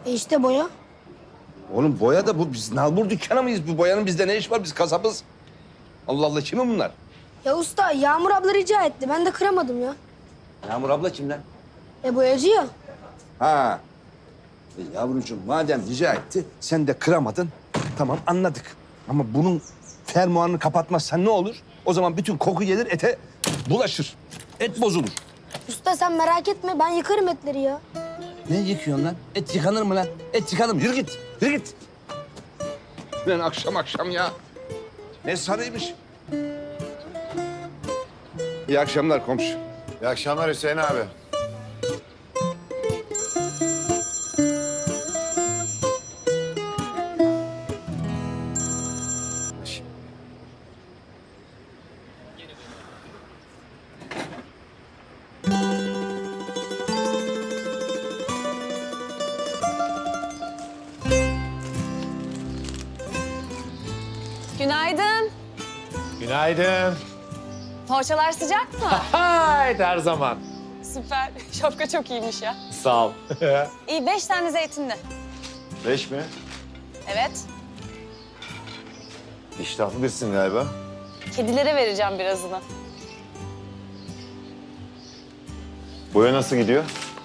İşte boya. Oğlum boya da bu. Biz nalbur dükkanı mıyız? Bu boyanın bizde ne iş var? Biz kasabız. Allah Allah, kimi bunlar? Ya usta Yağmur abla rica etti. Ben de kıramadım ya. Yağmur abla kim lan? Boyacı ya. Ha. Yavrucuğum madem rica etti, sen de kıramadın. Tamam, anladık. Ama bunun fermuarını kapatmazsan ne olur? O zaman bütün koku gelir, ete bulaşır. Et bozulur. Usta sen merak etme. Ben yıkarım etleri ya. Ne yıkıyorsun lan? Et yıkanır mı lan? Et yıkanır mı? Yürü git, yürü git. Lan akşam akşam ya. Ne sarıymış. İyi akşamlar komşu. İyi akşamlar Hüseyin abi. Günaydın. Günaydın. Poğaçalar sıcak mı? Haydi her zaman. Süper. Şapka çok iyiymiş ya. Sağ ol. İyi 5 tane zeytinli. 5 mi? Evet. İştahlı birisin galiba. Kedilere vereceğim birazını. Boya nasıl gidiyor?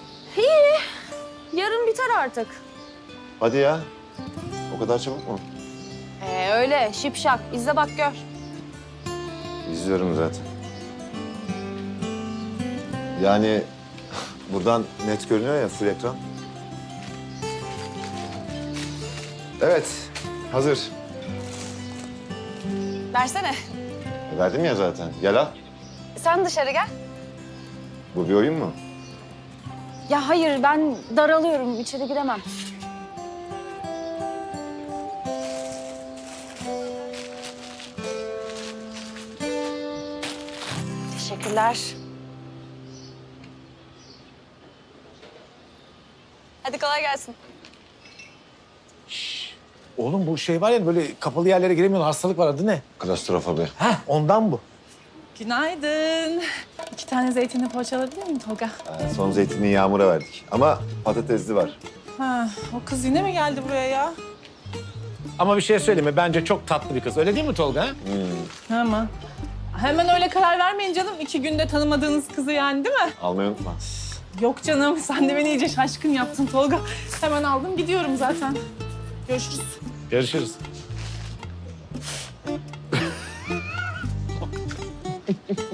Yarın biter artık. Hadi ya. O kadar çabuk mu? Öyle şipşak. İzle bak gör. İzliyorum zaten. Yani buradan net görünüyor ya full ekran. Evet, hazır. Versene. Verdim ya zaten. Gel al. Sen dışarı gel. Bu bir oyun mu? Ya hayır ben daralıyorum. İçeri giremem. Teşekkürler. Hadi kolay gelsin. Oğlum bu şey var ya böyle kapalı yerlere giremiyorsun. Hastalık var, adı ne? Klastrofobi. Heh, ondan bu. Günaydın. 2 tane zeytinli poğaça alabilir miyim Tolga? Son zeytinliği Yağmur'a verdik. Ama patatesli var. Ha, o kız yine mi geldi buraya ya? Ama bir şey söyleyeyim mi? Bence çok tatlı bir kız. Öyle değil mi Tolga? Ha? Ama hemen öyle karar vermeyin canım. 2 günde tanımadığınız kızı yani değil mi? Almayı unutma. Yok canım, sen de beni iyice şaşkın yaptın Tolga. Hemen aldım, gidiyorum zaten. Görüşürüz. Görüşürüz.